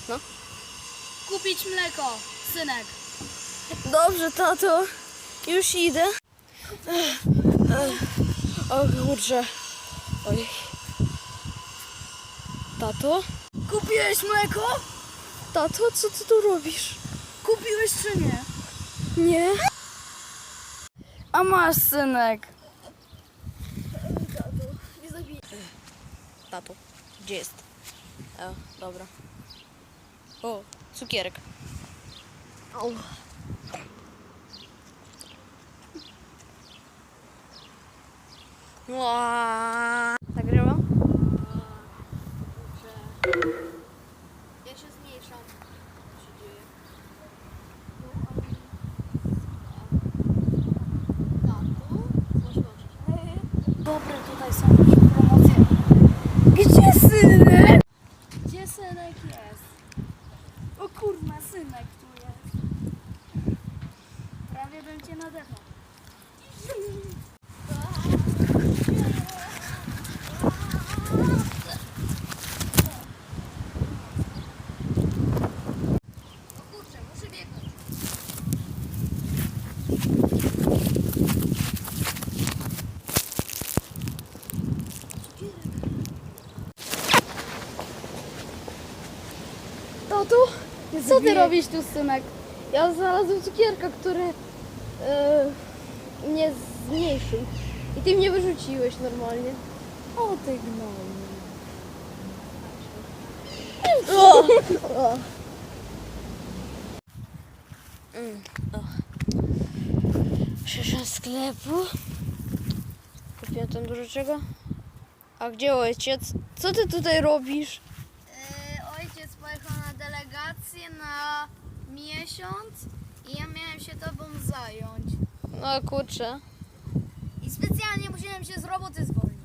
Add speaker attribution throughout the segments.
Speaker 1: No.
Speaker 2: Kupić mleko, synek.
Speaker 1: Dobrze, tato. Już idę. O kurczę. Oj. Tato?
Speaker 2: Kupiłeś mleko?
Speaker 1: Tato, co ty tu robisz?
Speaker 2: Kupiłeś czy nie?
Speaker 1: Nie.
Speaker 2: A masz, synek.
Speaker 1: Tato, gdzie jest? Dobra. O, cukierek. Au. Nagrywam?
Speaker 2: Ja się zmniejszam. Co się dzieje? Dobre tutaj są promocje. Gdzie synek? Gdzie synek jest? O kurwa, synek tu jest. Prawie bym cię nadechał. O kurczę, muszę biegnąć.
Speaker 1: Tato, co ty robisz tu, synek? Ja znalazłem cukierka, który mnie zmniejszył. I ty mnie wyrzuciłeś normalnie.
Speaker 2: O ty gnoju.
Speaker 1: Przyszedłem z sklepu. Kupiłem tam dużo czego. A gdzie ojciec? Co ty tutaj robisz?
Speaker 2: Ojciec pojechał na delegację na miesiąc i ja miałem się tobą zająć.
Speaker 1: No kurczę.
Speaker 2: I specjalnie musiałem się z roboty zwolnić.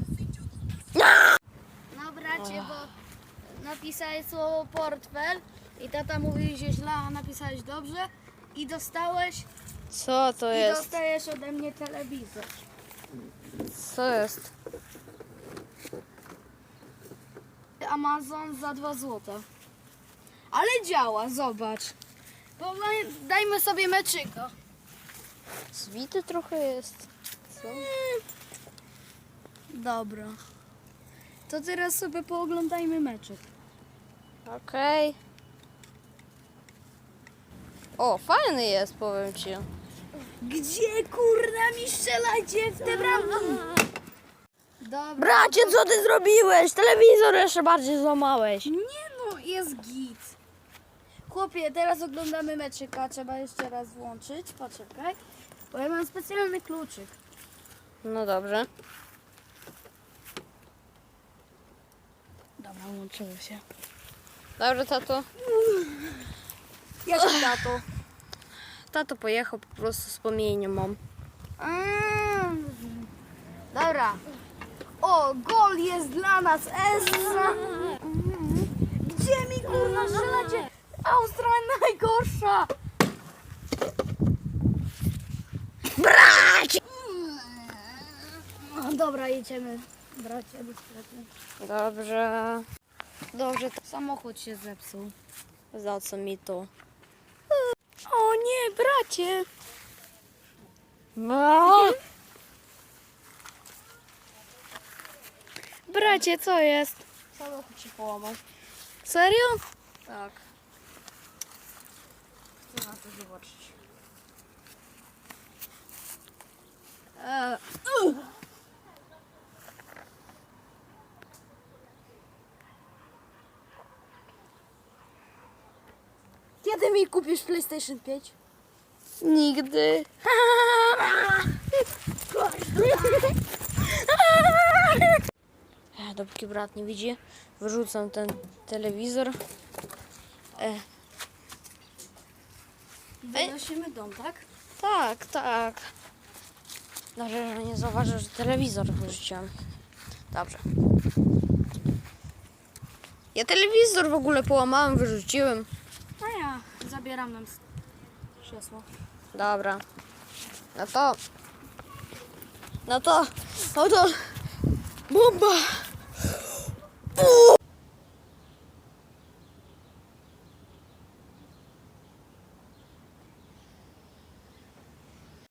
Speaker 2: No bracie, bo napisałeś słowo portfel i tata mówi, że źle, a napisałeś dobrze i dostałeś
Speaker 1: Co to
Speaker 2: i
Speaker 1: jest?
Speaker 2: dostajesz ode mnie telewizor.
Speaker 1: Co jest?
Speaker 2: Amazon za 2 zł. Ale działa, zobacz. Dajmy sobie meczyka.
Speaker 1: Zwity trochę jest. Co?
Speaker 2: Dobra. To teraz sobie pooglądajmy meczyk.
Speaker 1: Okej. O, fajny jest, powiem ci.
Speaker 2: Gdzie kurna mi strzelacie w te bramki? Dobra.
Speaker 1: Bracie, co ty zrobiłeś? Telewizor jeszcze bardziej złamałeś.
Speaker 2: Nie no, jest git. Chłopie, teraz oglądamy meczyka. Trzeba jeszcze raz włączyć. Poczekaj. Bo ja mam specjalny kluczyk.
Speaker 1: No dobrze.
Speaker 2: Dobra, łączyło się.
Speaker 1: Dobrze, tato.
Speaker 2: Jak tato?
Speaker 1: Tato pojechał, po prostu wspomnienie mam.
Speaker 2: Dobra. O, gol jest dla nas. Esra. Gdzie mi kurna strzelacie? Australia najgorsza.
Speaker 1: Bracie!
Speaker 2: No, dobra, jedziemy. Bracie, do sklepu.
Speaker 1: Dobrze. Dobrze,
Speaker 2: Samochód się zepsuł.
Speaker 1: za co mi to?
Speaker 2: O nie, bracie. Bracie, co jest?
Speaker 1: Samochód się połamał.
Speaker 2: Serio?
Speaker 1: Tak.
Speaker 2: Chcę na to zobaczyć. Kiedy mi kupisz PlayStation 5?
Speaker 1: Nigdy. Dopóki brat nie widzi, wyrzucam ten telewizor.
Speaker 2: Wynosimy dom, tak?
Speaker 1: Tak, tak. Dobrze, że nie zauważył, że telewizor wyrzuciłem. Dobrze. Ja telewizor w ogóle połamałem, wyrzuciłem.
Speaker 2: A ja zabieram nam krzesło.
Speaker 1: Dobra. No to... Bomba!